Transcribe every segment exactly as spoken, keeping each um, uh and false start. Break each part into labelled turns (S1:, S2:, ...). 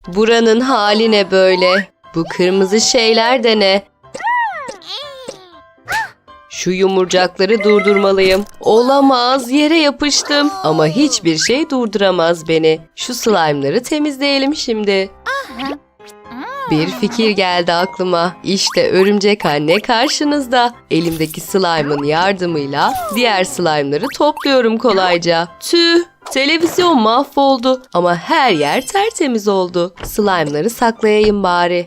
S1: Buranın hali ne böyle? Bu kırmızı şeyler de ne? Şu yumurcakları durdurmalıyım. Olamaz, yere yapıştım. Ama hiçbir şey durduramaz beni. Şu slime'ları temizleyelim şimdi. Bir fikir geldi aklıma. İşte örümcek anne karşınızda. Elimdeki slime'ın yardımıyla diğer slime'ları topluyorum kolayca. Tüh! Televizyon mahvoldu ama her yer tertemiz oldu. Slime'ları saklayayım bari.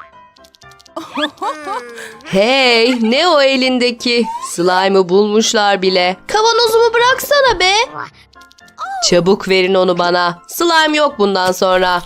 S1: Hey, ne o elindeki? Slime'ı bulmuşlar bile. Kavanozumu bıraksana be. Çabuk verin onu bana. Slime yok bundan sonra.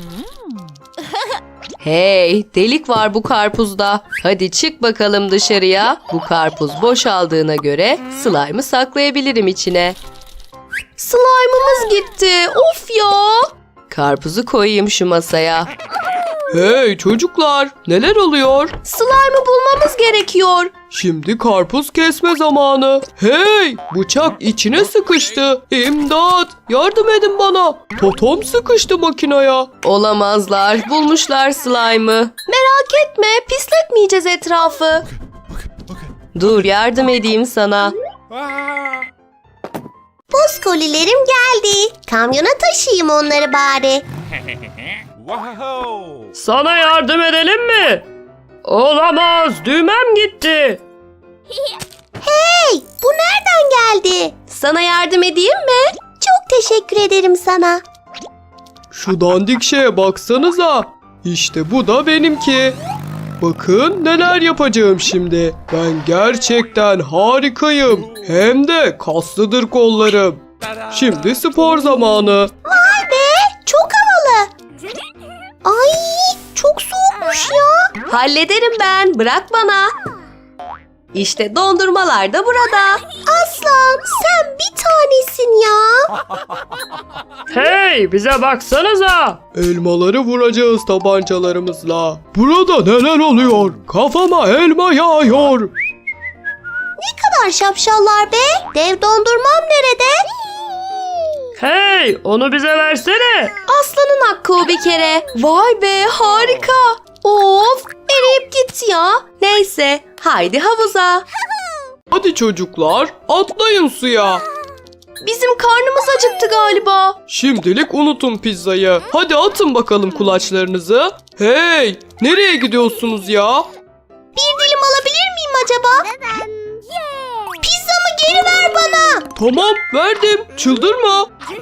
S1: Hey, delik var bu karpuzda. Hadi çık bakalım dışarıya. Bu karpuz boşaldığına göre slime'ı saklayabilirim içine. Slime'ımız gitti. Of ya. Karpuzu koyayım şu masaya.
S2: Hey çocuklar, neler oluyor?
S1: Slime'ı bulmamız gerekiyor.
S2: Şimdi karpuz kesme zamanı. Hey, bıçak içine sıkıştı. İmdat, yardım edin bana. Totom sıkıştı makinaya.
S1: Olamazlar. Bulmuşlar slime'ı. Merak etme, pisletmeyeceğiz etrafı. Dur, yardım edeyim sana.
S3: Buz kolilerim geldi. Kamyona taşıyayım onları bari.
S2: Sana yardım edelim mi? Olamaz, düğmem gitti.
S3: Hey, bu nereden geldi?
S1: Sana yardım edeyim mi?
S3: Çok teşekkür ederim sana.
S2: Şu dandik şeye baksanıza. İşte bu da benimki. Bakın neler yapacağım şimdi. Ben gerçekten harikayım. Hem de kaslıdır kollarım. Şimdi spor zamanı.
S3: Vay be, çok havalı. Ay, çok soğukmuş ya.
S1: Hallederim ben. Bırak bana. İşte dondurmalar da burada.
S3: Aslan, sen bir tanesin ya.
S2: Hey, bize baksanıza. Elmaları vuracağız tabancalarımızla. Burada neler oluyor? Kafama elma yağıyor.
S3: Ne kadar şapşallar be. Dev dondurmam nerede?
S2: Hey, onu bize versene.
S1: Aslanın hakkı o bir kere. Vay be, harika. Of, eriyip gitti ya. Neyse, haydi havuza.
S2: Hadi çocuklar, atlayın suya.
S1: Bizim karnımız acıktı galiba.
S2: Şimdilik unutun pizzayı. Hadi atın bakalım kulaçlarınızı. Hey, nereye gidiyorsunuz ya?
S3: Bir dilim alabilir miyim acaba? Pizzamı geri ver bana.
S2: Tamam, verdim. Çıldırma.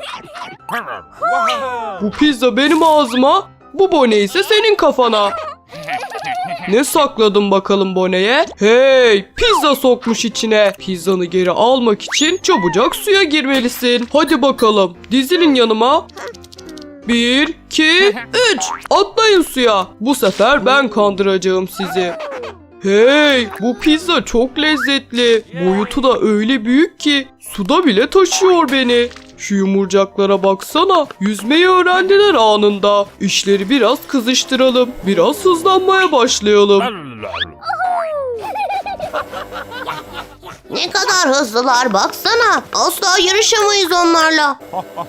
S2: Bu pizza benim ağzıma, bu bone ise senin kafana. Ne sakladın bakalım boneye? Hey, pizza sokmuş içine. Pizzanı geri almak için çabucak suya girmelisin. Hadi bakalım, dizilin yanıma. Bir, iki, üç. Atlayın suya. Bu sefer ben kandıracağım sizi. Hey, bu pizza çok lezzetli. Boyutu da öyle büyük ki suda bile taşıyor beni. Şu yumurcaklara baksana. Yüzmeyi öğrendiler anında. İşleri biraz kızıştıralım. Biraz hızlanmaya başlayalım.
S3: Ne kadar hızlılar baksana. Asla yarışamayız onlarla.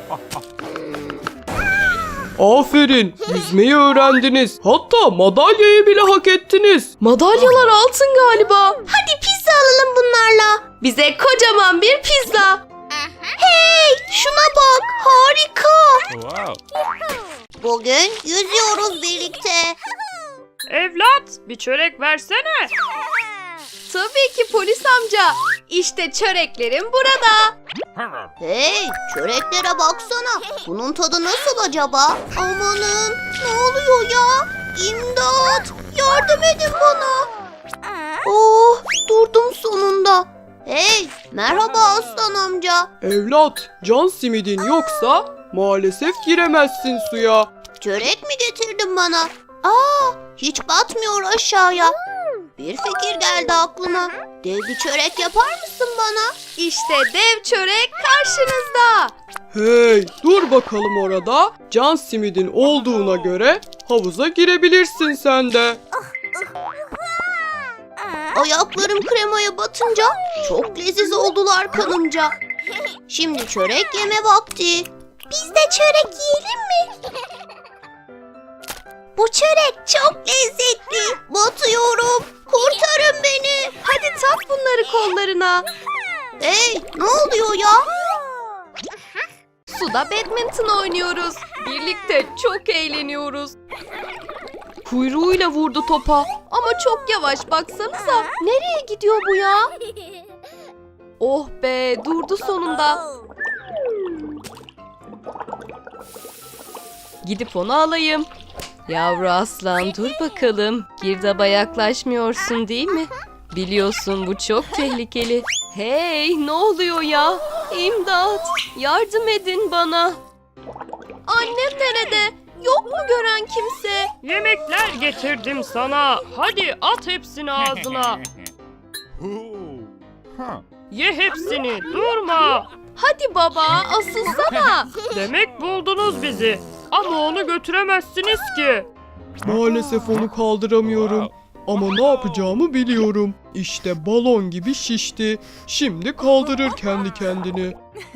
S2: Aferin. Yüzmeyi öğrendiniz. Hatta madalyayı bile hak ettiniz.
S1: Madalyalar altın galiba.
S3: Hadi pizza alalım bunlarla.
S1: Bize kocaman bir pizza.
S3: Hey, şuna bak. Harika. Bugün yüzüyoruz birlikte.
S2: Evlat, bir çörek versene.
S1: Tabii ki polis amca. İşte çöreklerim burada.
S3: Hey, çöreklere baksana. Bunun tadı nasıl acaba? Amanın, ne oluyor ya? İmdat, yardım edin bana. Oh, durdum sonunda. Hey, merhaba aslan amca.
S2: Evlat, can simidin yoksa maalesef giremezsin suya.
S3: Çörek mi getirdin bana? Aa, hiç batmıyor aşağıya. Bir fikir geldi aklıma. Dev bir çörek yapar mısın bana?
S1: İşte dev çörek karşınızda.
S2: Hey, dur bakalım orada. Can simidin olduğuna göre havuza girebilirsin sen de.
S3: Ayaklarım kremaya batınca çok leziz oldular kanımca. Şimdi çörek yeme vakti. Biz de çörek yiyelim mi? Bu çörek çok lezzetli. Batıyorum. Kurtarın beni.
S1: Hadi tak bunları kollarına.
S3: Hey, ne oluyor ya?
S1: Suda badminton oynuyoruz. Birlikte çok eğleniyoruz. Kuyruğuyla vurdu topa. Ama çok yavaş, baksanıza. Nereye gidiyor bu ya? Oh be, durdu sonunda. Gidip onu alayım. Yavru aslan, dur bakalım. Girdaba yaklaşmıyorsun değil mi? Biliyorsun bu çok tehlikeli. Hey, ne oluyor ya? İmdat! Yardım edin bana. Annem nerede? Yok mu gören kimse?
S2: Yemekler getirdim sana. Hadi at hepsini ağzına. Ye hepsini, durma.
S1: Hadi baba, asılsana.
S2: Demek buldunuz bizi. Ama onu götüremezsiniz ki.
S4: Maalesef onu kaldıramıyorum. Ama ne yapacağımı biliyorum. İşte balon gibi şişti. Şimdi kaldırır kendi kendini.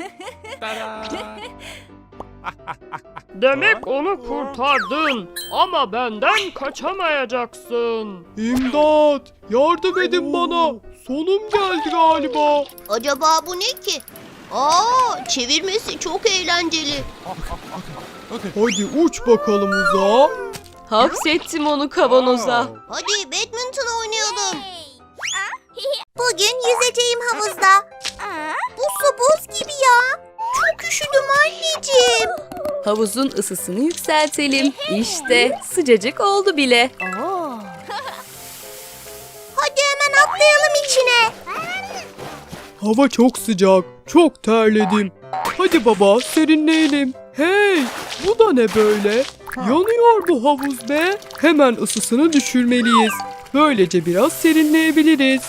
S2: Demek onu kurtardın. Ama benden kaçamayacaksın.
S4: İmdat! Yardım edin bana. Sonum geldi galiba.
S3: Acaba bu ne ki? Aa, çevirmesi çok eğlenceli.
S4: Hadi uç bakalım uzağa.
S1: Hapsettim onu kavanoza.
S3: Hadi badminton oynayalım. Bugün yüzeceğim havuzda. Bu su buz gibi ya. Çok üşüdüm anneciğim.
S1: Havuzun ısısını yükseltelim. İşte sıcacık oldu bile.
S3: Hadi hemen atlayalım içine.
S4: Hava çok sıcak. Çok terledim. Hadi baba serinleyelim. Hey! Bu da ne böyle? Yanıyor bu havuz be. Hemen ısısını düşürmeliyiz. Böylece biraz serinleyebiliriz.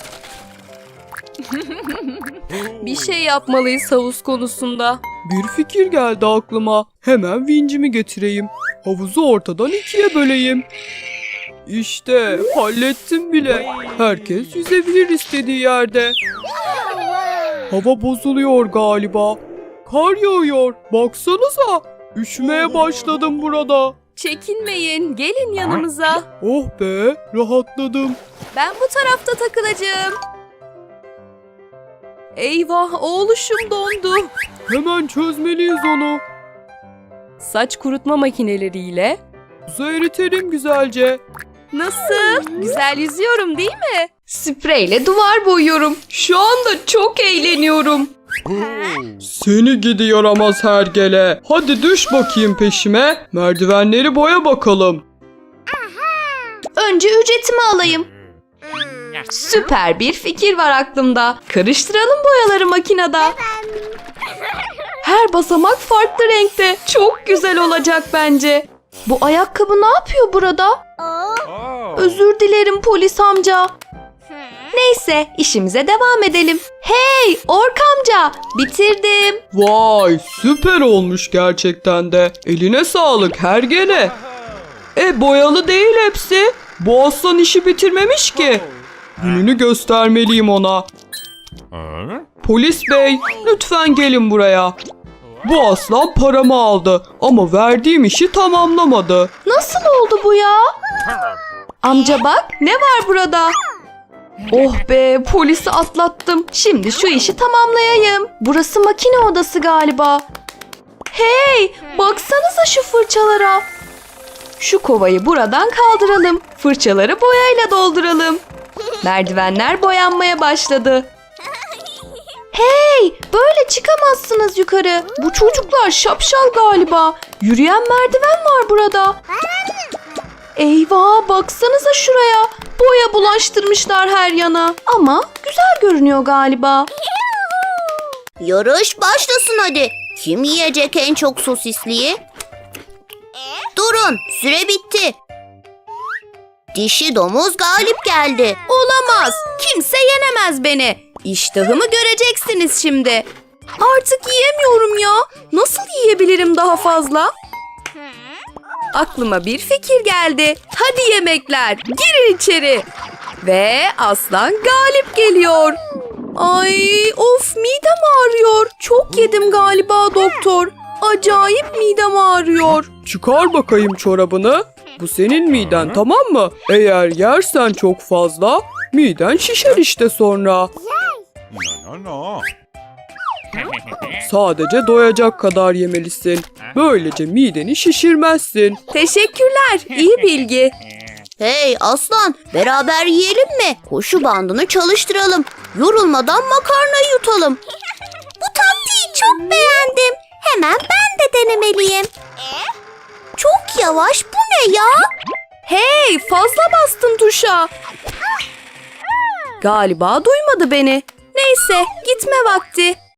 S1: Bir şey yapmalıyız havuz konusunda.
S4: Bir fikir geldi aklıma. Hemen vincimi getireyim. Havuzu ortadan ikiye böleyim. İşte hallettim bile. Herkes yüzebilir istediği yerde. Hava bozuluyor galiba. Kar yağıyor. Baksanıza. Üşümeye başladım burada.
S1: Çekinmeyin, gelin yanımıza.
S4: Oh be, rahatladım.
S1: Ben bu tarafta takılacağım. Eyvah, oğluşum dondu.
S4: Hemen çözmeliyiz onu.
S1: Saç kurutma makineleriyle.
S4: Buzu eritelim güzelce.
S1: Nasıl? Güzel yüzüyorum değil mi? Spreyle duvar boyuyorum. Şu anda çok eğleniyorum.
S4: Seni gidi yaramaz hergele. Hadi düş bakayım peşime. Merdivenleri boya bakalım.
S1: Önce ücretimi alayım. Süper bir fikir var aklımda. Karıştıralım boyaları makinede. Her basamak farklı renkte. Çok güzel olacak bence. Bu ayakkabı ne yapıyor burada? Özür dilerim polis amca. Neyse, işimize devam edelim. Hey Ork amca, bitirdim.
S4: Vay süper olmuş gerçekten de. Eline sağlık hergele. E boyalı değil hepsi. Bu aslan işi bitirmemiş ki. Gününü göstermeliyim ona. Polis bey lütfen gelin buraya. Bu aslan paramı aldı ama verdiğim işi tamamlamadı.
S1: Nasıl oldu bu ya? Amca bak, ne var burada? Oh be, polisi atlattım. Şimdi şu işi tamamlayayım. Burası makine odası galiba. Hey, baksanıza şu fırçalara. Şu kovayı buradan kaldıralım. Fırçaları boyayla dolduralım. Merdivenler boyanmaya başladı. Hey, böyle çıkamazsınız yukarı. Bu çocuklar şapşal galiba. Yürüyen merdiven var burada. Eyvah, baksanıza şuraya. Boya bulaştırmışlar her yana. Ama güzel görünüyor galiba.
S3: Yarış başlasın hadi. Kim yiyecek en çok sosisliği? Durun, süre bitti. Dişi domuz galip geldi.
S1: Olamaz. Kimse yenemez beni. İştahımı göreceksiniz şimdi. Artık yiyemiyorum ya. Nasıl yiyebilirim daha fazla? Aklıma bir fikir geldi. Hadi yemekler, girin içeri. Ve aslan galip geliyor. Ay of, midem ağrıyor. Çok yedim galiba doktor. Acayip midem ağrıyor.
S4: Çıkar bakayım çorabını. Bu senin miden, tamam mı? Eğer yersen çok fazla miden şişer işte sonra.
S5: No, no, no.
S4: Sadece doyacak kadar yemelisin. Böylece mideni şişirmezsin.
S1: Teşekkürler. İyi bilgi.
S3: Hey aslan, beraber yiyelim mi? Koşu bandını çalıştıralım. Yorulmadan makarnayı yutalım. Bu taktiği çok beğendim. Hemen ben de denemeliyim. Çok yavaş, bu ne ya?
S1: Hey, fazla bastın tuşa. Galiba duymadı beni. Neyse, gitme vakti.